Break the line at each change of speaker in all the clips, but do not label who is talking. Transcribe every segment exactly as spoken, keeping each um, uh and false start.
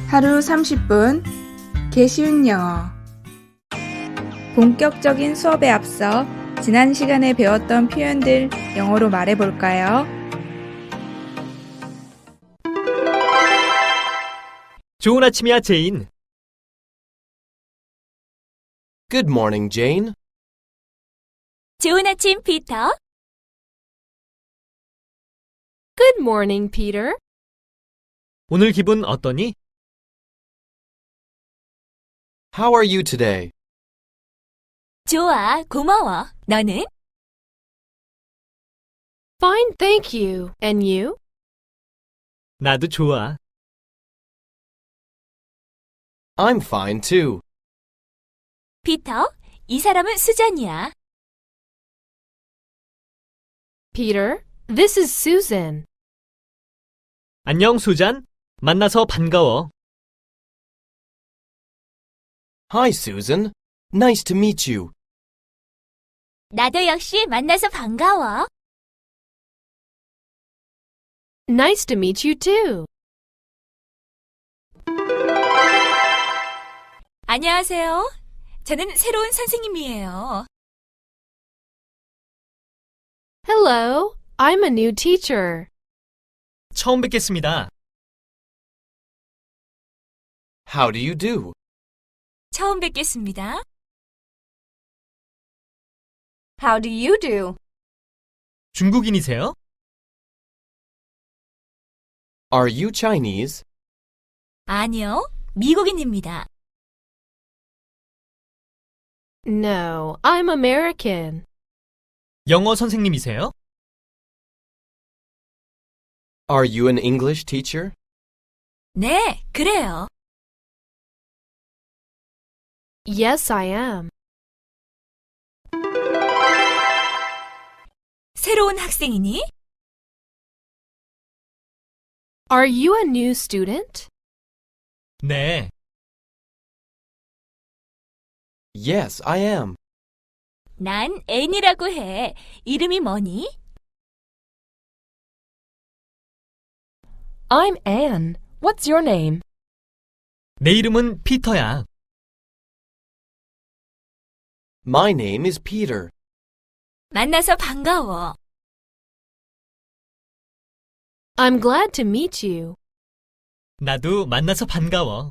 하루 삼십 분 개쉬운 영어. 본격적인 수업에 앞서 지난 시간에 배웠던 표현들 영어로 말해볼까요?
좋은 아침이야, 제인.
Good morning, Jane.
좋은 아침, 피터.
Good morning, Peter.
오늘 기분 어떠니?
How are you today?
좋아, 고마워. 너는?
Fine, thank you. And you?
나도 좋아.
I'm fine too.
피터, 이 사람은 수잔이야.
Peter, this is Susan.
안녕, 수잔. 만나서 반가워.
Hi, Susan. Nice to meet you.
나도 역시 만나서 반가워.
Nice to meet you too.
안녕하세요. 저는 새로운 선생님이에요.
Hello, I'm a new teacher.
처음 뵙겠습니다.
How do you do?
처음 뵙겠습니다.
How do you do?
중국인이세요?
Are you Chinese?
아니요, 미국인입니다.
No, I'm American.
영어 선생님이세요?
Are you an English teacher?
네, 그래요.
Yes, I am.
새로운 학생이니?
Are you a new student?
네.
Yes, I am.
난 앤이라고 해. 이름이 뭐니?
I'm Anne. What's your name?
내 이름은 피터야.
My name is Peter.
만나서 반가워.
I'm glad to meet you.
나도 만나서 반가워.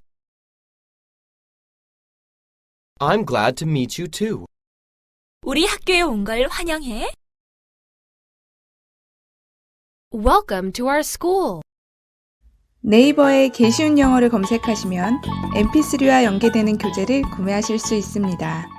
I'm glad to meet you too.
우리 학교에 온 걸 환영해.
Welcome to our school.
네이버에 개쉬운 영어를 검색하시면 엠피쓰리와 연계되는 교재를 구매하실 수 있습니다.